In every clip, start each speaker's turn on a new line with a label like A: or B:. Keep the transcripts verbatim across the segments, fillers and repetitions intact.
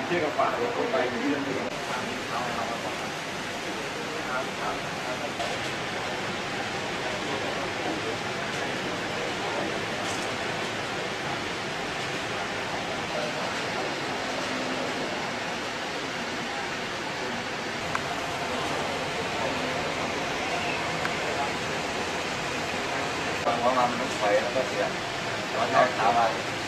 A: เที่ยวกับป่าลงไปเรื่อยฟังว่ามันต้องไปแล้วก็เสียแล้วก็ถามว่า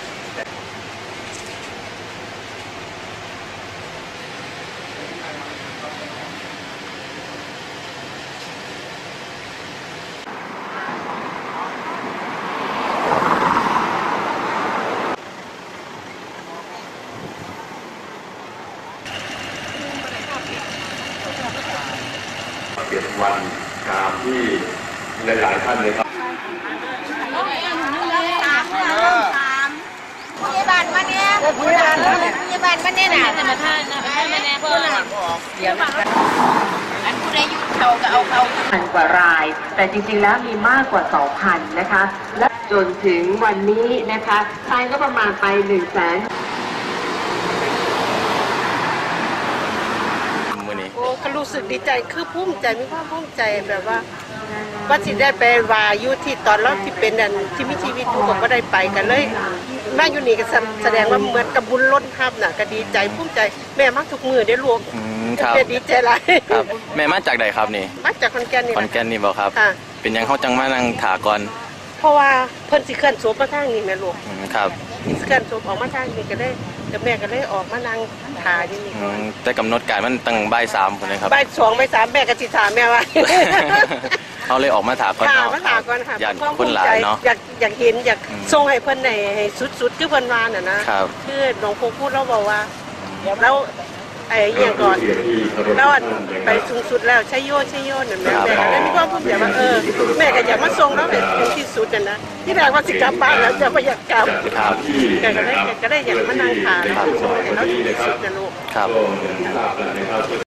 A: เปลี่ยนวันตามที่หลายๆท่านเลยครับ
B: พยาบาลมาเนี่ยพยาบาลพยาบาลมาเนี่ยนะแต่มาท่านนะท่านมาเนี่ยเพื่อนเดี๋ยวอันผู้ใดยุ่งเขาก็เอาเขา
C: พันกว่าราย แต่จริงๆแล้วมีมากกว่า สองพัน นะคะ และจนถึงวันนี้นะคะไทยก็ประมาณไป หนึ่งแสน
D: โอ้ก็รู้สึกดีใจคือภูมิใจมีความภูมิใจแบบว่าว่าสิได้ไปวายุที่ตอนรอบที่เป็นอันที่มีชีวิตอยู่ผมก็ได้ไปกันเลยมาอยู่นี่ก็แสดงว่าเหมือนกับบุญล้นทับน่ะก็ดีใจภูมิใจแม่มักทุกมือได้ลูก
E: ครับ
D: ดีใจหลาย
E: ครับแม่มาจากใดครับนี่
D: มาจากขอนแก่นนี่
E: ขอนแก่นนี่บอกครับเป็นยังเขาจังมานั่งถาก่อน
D: เพราะว่าเพิ่นสิเคลื่อนศพมาทางนี้แม่ลูก
E: ครับ
D: เคลื่อนศพออกมาทางนี้ก็ได้แต่แม่ก็เลยออกมานั่งถาอยู่นี่
E: แต่กำหนดการมันตั้งบ่ายสามคนเลยครับ
D: บ่ายสองบ่ายสามแม่ก็สิถามแม่ว่า
E: เขาเลยออกมาถาก่อน
D: เนาะมาถาก่อนค่ะ
E: อยากคนหลายเนาะ
D: อยากอยากเห็นอยากส่งให้เพิ่นในให้สุดๆคือเพิ่นว่าน่ะนะครับคือหลวงปู่พูดเราบอกว่าแล้วไอ้เอียงก่อนแล้วไปสูงสุดแล้วใช้โยใช้โยนั่นแม่แม่ก็เลยมีความภูมิใจว่าเออแม่ก็อยากมาส่งแล้วให้ที่สุดน่ะนะที่แรกว่าสิกลับบ้านแล้วจะบ่อยากกลับ
E: ครับ
D: แกก็ได้แกก็ได้อยากมานั่งถาแล้วส่งให้เราที่สุดนะลูก
E: ครับ